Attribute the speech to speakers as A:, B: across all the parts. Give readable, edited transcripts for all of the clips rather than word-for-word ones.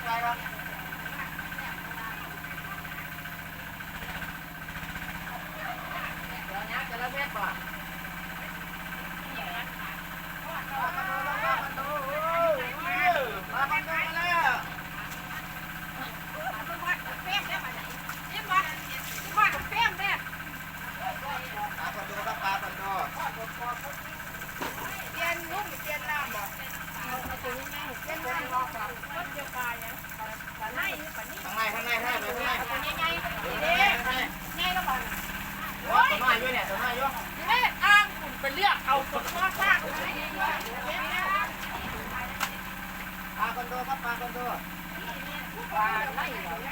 A: ใจครับเดี๋ยวนี้จะละเม็ดป่ะข้างในตัวน้อยอยู่เนี่ยตัวน้อยอยู่นี่อ้างคุณไปเรียกเอาตัวน้อยสร้างปลาคอนโดครับปลาคอนโดปลาไล่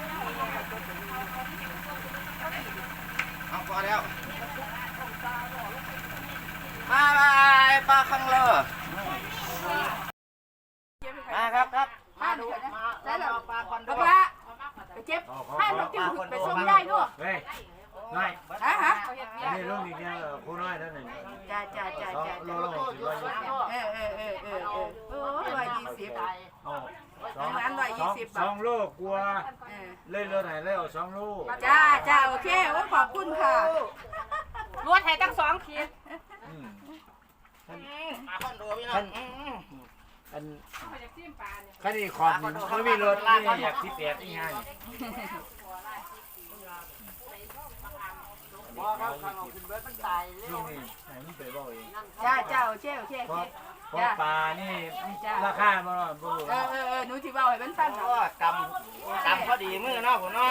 A: เอาพอแล้วปลาคังเลอมาครับมาดูมาปลาคอนโด
B: เจ็บให้มันจิ้มไปส่งได้ด้วย
C: เฮ้ยน้อย
B: ฮะ
C: นี่ลูกนี่เนี่ยคู่น้อยนั่นเอง
B: จ้า
C: โลละ60
B: 120
C: 2 ลูกกลัวเลยเรือไหนเลยเอา2 ลูก
B: จ้าโอเคขอบคุณค่ะรวดให้ตั้ง2 ขีด
A: ปลาคอนโดพี่น้อง
C: คันนี้ขอบนี่ไม่มีรถนี่อยากที่แปดนี่ไง
A: ว่าครับข้างนอกขึ้นเบิร์ดมันตายเลย
C: ลูกนี่ไหนมันไปบอกเอง
B: จ้าโอเค
C: เพราะปลานี่ราคามันบ่รู้
B: หนูที่เบาให้มันฟัง
A: กำพอดีมือเนาะผมเนาะ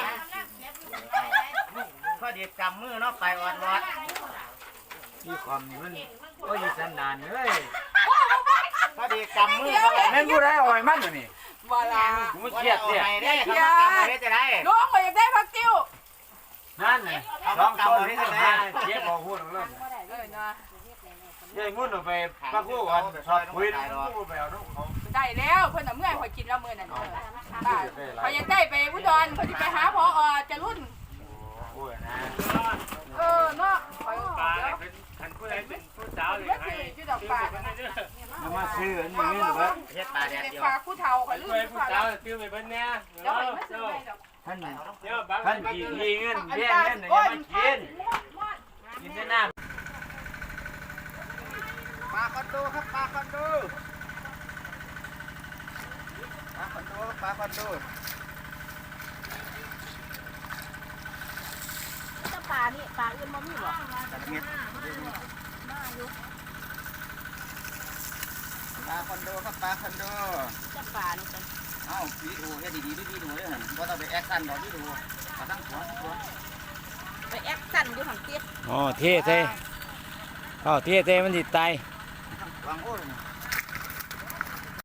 A: พอดีกำมือเนาะไปอ่อนรอด
C: ที่ความนี่มันก็อยู่สันดานเลย
A: พอดีกำมือเขา
C: แม่นผู้ใดอ่อยมันตัวนี้
B: บ่ล่ะ
C: กูไม่เครียดเนี่ย
A: ได้เขากำมาได้จะได้
B: น้องก็อยากได้ผักติ้ว
C: นั่นไงลองกำมาได้จะได้เจ็บบอกพูดเรื่องยัยมุ่นออกไปปักกู้ก่อนชอบคุยแล้วกู้ไปเอาลูกเขา
B: ได้แล้วเพิ่นน่ะเมื่อยข่อยกินแล้วมื้อนั้นข่อยอยากได้ไปอุดรข่อยสิไปหาผอจะรุ่น
C: โอ้ยนะ
B: เนาะ
C: ปลาเป็นขันผู้ใดเป็นผู้สาวเลยให้
B: ชื่อดอกปลา
C: มาซื้ออันนี้เงินเบิด
A: เฮ็ดปลาแดดเดียว
B: ปลาผู้เฒ่าข่อยลืม
C: ผู้สาวตื้อไปเบิ่นแน่ท่านกี่ทีเงินเบี้ยเงินอย่ามากินแต่น้ำ
A: ปลาคอนโดครับปลาคอนโดปลาคอนโด
B: จะปลานี่ปลาอื่นบ่มีบ่
A: ปลาคอนโดครับปลาคอนโด
B: จะปลานี่
A: เอ้าวิดีโอเฮ็ดดีๆวิดีโอเด้อหั่นบ่ต้องไปแอคชั่นดอกวิดีโอเอาทั้งหัว
B: ไปแอคชั่นอยู่หั่นติ
C: อ๋อเท่มันสิตาย
A: วางโอ้